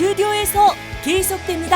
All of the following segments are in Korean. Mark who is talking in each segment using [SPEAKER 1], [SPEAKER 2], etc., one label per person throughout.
[SPEAKER 1] 스튜디오에서 계속됩니다.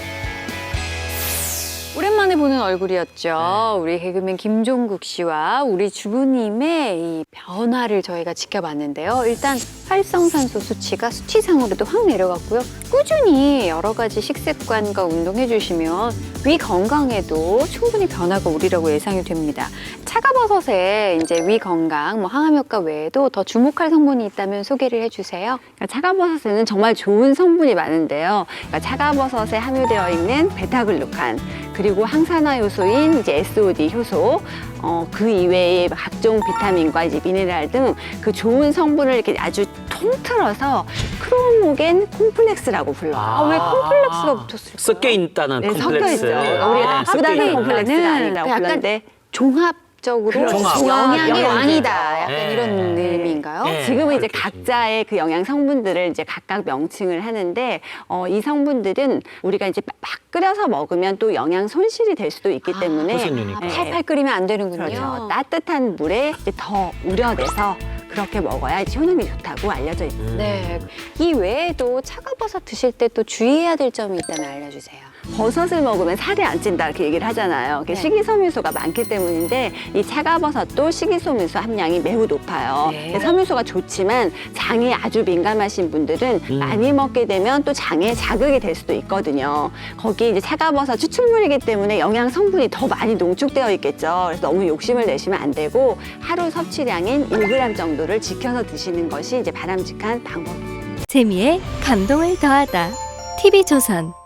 [SPEAKER 2] 오랜만에 보는 얼굴이었죠. 우리 개그맨 김종국 씨와 우리 주부님의 이 변화를 저희가 지켜봤는데요. 일단 활성산소 수치가 수치상으로도 확 내려갔고요. 꾸준히 여러 가지 식습관과 운동해 주시면 위 건강에도 충분히 변화가 오리라고 예상이 됩니다. 차가버섯에 이제 위 건강, 항암 효과 외에도 더 주목할 성분이 있다면 소개를 해주세요. 그러니까 차가버섯에는 정말 좋은 성분이 많은데요. 그러니까 차가버섯에 함유되어 있는 베타글루칸, 그리고 항산화 효소인 이제 SOD 효소, 그 이외에 각종 비타민과 이제 미네랄 등 그 좋은 성분을 이렇게 아주 통틀어서 크로모겐 콤플렉스라고 불러요. 왜 콤플렉스가 붙었을까요?
[SPEAKER 3] 섞여 있다는
[SPEAKER 2] 네,
[SPEAKER 3] 콤플렉스.
[SPEAKER 2] 섞여 있죠. 우리가
[SPEAKER 3] 섞여
[SPEAKER 2] 부단한
[SPEAKER 3] 있는.
[SPEAKER 2] 콤플렉스가 아니라고
[SPEAKER 3] 네.
[SPEAKER 2] 불렀는데 종합적으로
[SPEAKER 3] 종합.
[SPEAKER 2] 영양의
[SPEAKER 3] 영양제.
[SPEAKER 2] 왕이다. 약간
[SPEAKER 3] 네.
[SPEAKER 2] 이런 의미인가요?
[SPEAKER 3] 네.
[SPEAKER 2] 지금은 이제
[SPEAKER 3] 그렇게
[SPEAKER 2] 각자의 그 영양 성분들을 이제 각각 명칭을 하는데 이 성분들은 우리가 이제 막 끓여서 먹으면 또 영양 손실이 될 수도 있기 때문에
[SPEAKER 3] 후순위니까.
[SPEAKER 2] 팔팔 끓이면 안 되는군요. 그렇죠. 따뜻한 물에 이제 더 우려내서 그렇게 먹어야 이제 효능이 좋다고 알려져 있습니다. 네. 이 외에도 차가버섯 드실 때 또 주의해야 될 점이 있다면 알려주세요. 버섯을 먹으면 살이 안 찐다 이렇게 얘기를 하잖아요.
[SPEAKER 3] 네.
[SPEAKER 2] 식이섬유소가 많기 때문인데 이 차가버섯도 식이섬유소 함량이 매우 높아요.
[SPEAKER 3] 네.
[SPEAKER 2] 섬유소가 좋지만 장이 아주 민감하신 분들은 많이 먹게 되면 또 장에 자극이 될 수도 있거든요. 거기 이제 차가버섯 추출물이기 때문에 영양 성분이 더 많이 농축되어 있겠죠. 그래서 너무 욕심을 내시면 안 되고 하루 섭취량인 1g 정도를 지켜서 드시는 것이 이제 바람직한 방법입니다.
[SPEAKER 4] 재미에 감동을 더하다. TV조선